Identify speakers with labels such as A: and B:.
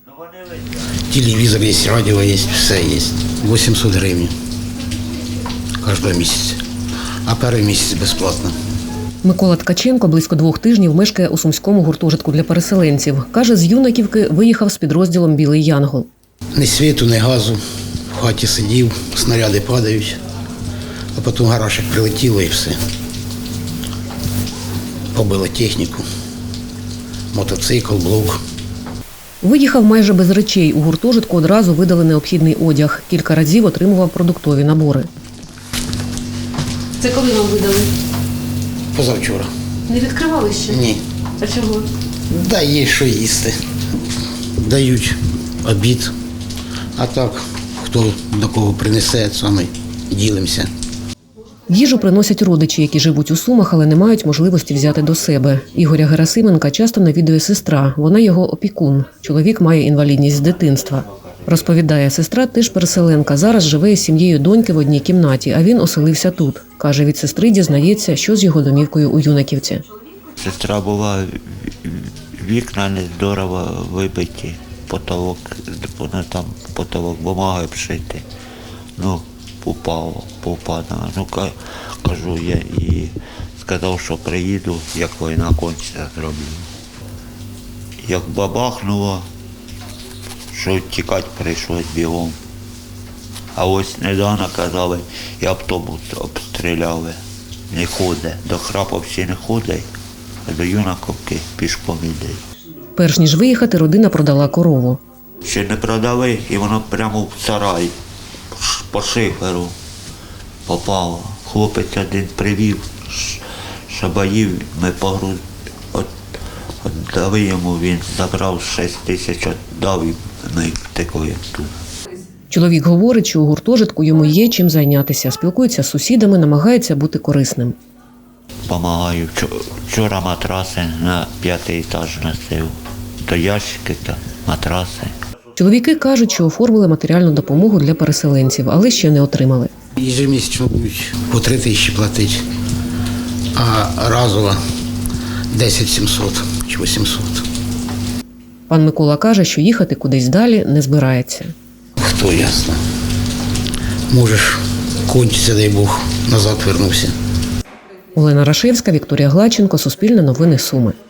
A: Телевізор є, радіо є, все є. 800 гривень кожного місяця, а перший місяць безплатно.
B: Микола Ткаченко близько 2 тижнів мешкає у сумському гуртожитку для переселенців. Каже, з Юнаківки виїхав з підрозділом «Білий Янгол».
A: Ні світу, ні газу. В хаті сидів, снаряди падають, а потім гараж як прилетіло і все. Побило техніку, мотоцикл, блок.
B: Виїхав майже без речей. У гуртожитку одразу видали необхідний одяг. Кілька разів отримував продуктові набори.
C: Це коли вам видали?
A: Позавчора.
C: Не відкривали ще?
A: Ні.
C: А чого?
A: Да, є що їсти. Дають обід, а так, хто до кого принесе, саме ділимося.
B: Їжу приносять родичі, які живуть у Сумах, але не мають можливості взяти до себе. Ігоря Герасименка часто навідує сестра. Вона його опікун. Чоловік має інвалідність з дитинства. Розповідає, сестра теж переселенка. Зараз живе із сім'єю доньки в одній кімнаті, а він оселився тут. Каже, від сестри дізнається, що з його домівкою у Юнаківці.
D: Сестра була, вікна не здорово вибиті, потолок, там потолок бумагою обшити. Ну, попадала. Ну, кажу я і сказав, що приїду, як війна кончиться, зроблю. Як бабахнуло, що тікати прийшлось бігом. А ось недавно казали, і автобус обстріляли. Не ходить, до Храповці не ходить, а до Юнаковки пішком іде.
B: Перш ніж виїхати, родина продала корову.
D: Ще не продали, і воно прямо в сарай, по шиферу попало. Хлопець один привів, шабаїв, ми віддали йому, він забрав 6 тисяч, віддав і ми втекли тут.
B: Чоловік говорить, що у гуртожитку йому є чим зайнятися. Спілкується з сусідами, намагається бути корисним.
D: Помагаю. Вчора матраси на 5-й етаж носив. То ящики, то матраси.
B: Чоловіки кажуть, що оформили матеріальну допомогу для переселенців, але ще не отримали.
A: Ежемісячно будуть по 3 тисячі платити, а разово 10 700 чи 800.
B: Пан Микола каже, що їхати кудись далі не збирається.
A: Хто ясно. Можеш кончиться, дай Бог, назад вернувся.
B: Олена Рашевська, Вікторія Глаченко, Суспільне новини Суми.